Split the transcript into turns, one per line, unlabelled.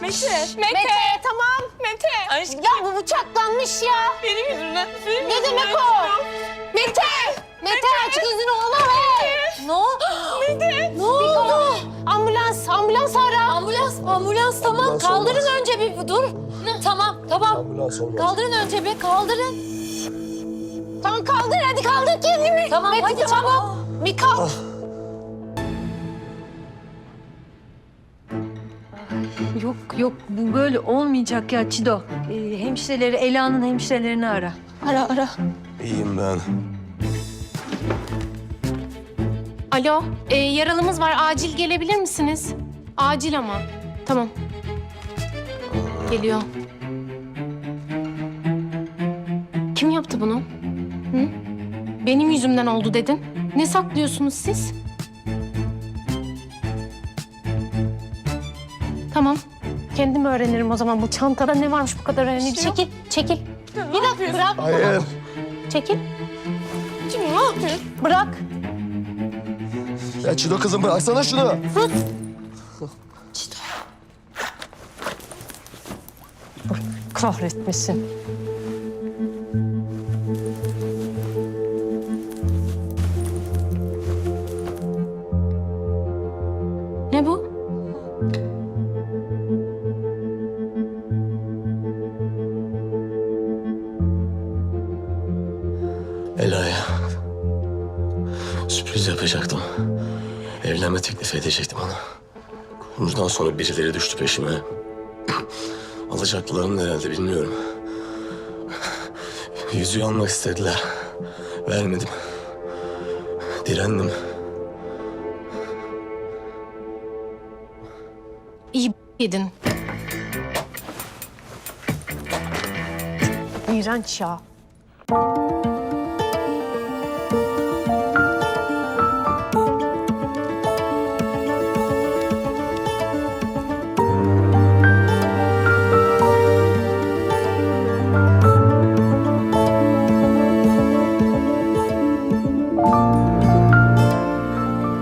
Mete, tamam.
Mete.
Aşkım. Ya bu bıçaklanmış ya.
Benim yüzümden.
Ne demek o? Mete! Mete aç gözünü oğlum. Ne oldu?
Mete.
Ne oldu? Ambulans ara.
Ambulans tamam.
Ambulans
Kaldırın
olmaz.
önce bir dur. Tamam.
Ambulans olmaz.
Kaldırın önce bir kaldırın.
Tamam kaldır hadi kaldır kendini.
Tamam
Mete,
hadi
tamam.
çabuk.
Bir kalk.
Yok bu böyle olmayacak ya Çido. Hemşireleri Ela'nın hemşirelerini ara.
Ara.
İyiyim ben.
Alo, yaralımız var. Acil gelebilir misiniz? Acil ama. Tamam. Geliyor. Kim yaptı bunu? Hı? Benim yüzümden oldu dedin. Ne saklıyorsunuz siz? Kendim Kendim öğrenirim o zaman. Bu çantada ne varmış bu kadar önemli bir şey? Çekil. Bir dakika bırak.
Hayır.
Çekil.
Şimdi ne yapıyorsun?
Bırak.
Ya Çido kızım bıraksana şunu.
Kahretmesin. Ne bu?
Ela'ya sürpriz yapacaktım. Evlenme teklif edecektim ona. Bundan sonra birileri düştü peşime. Alacaklarını herhalde bilmiyorum. Yüzüğü almak istediler. Vermedim. Direndim.
İyi yedin. İğrenç ya.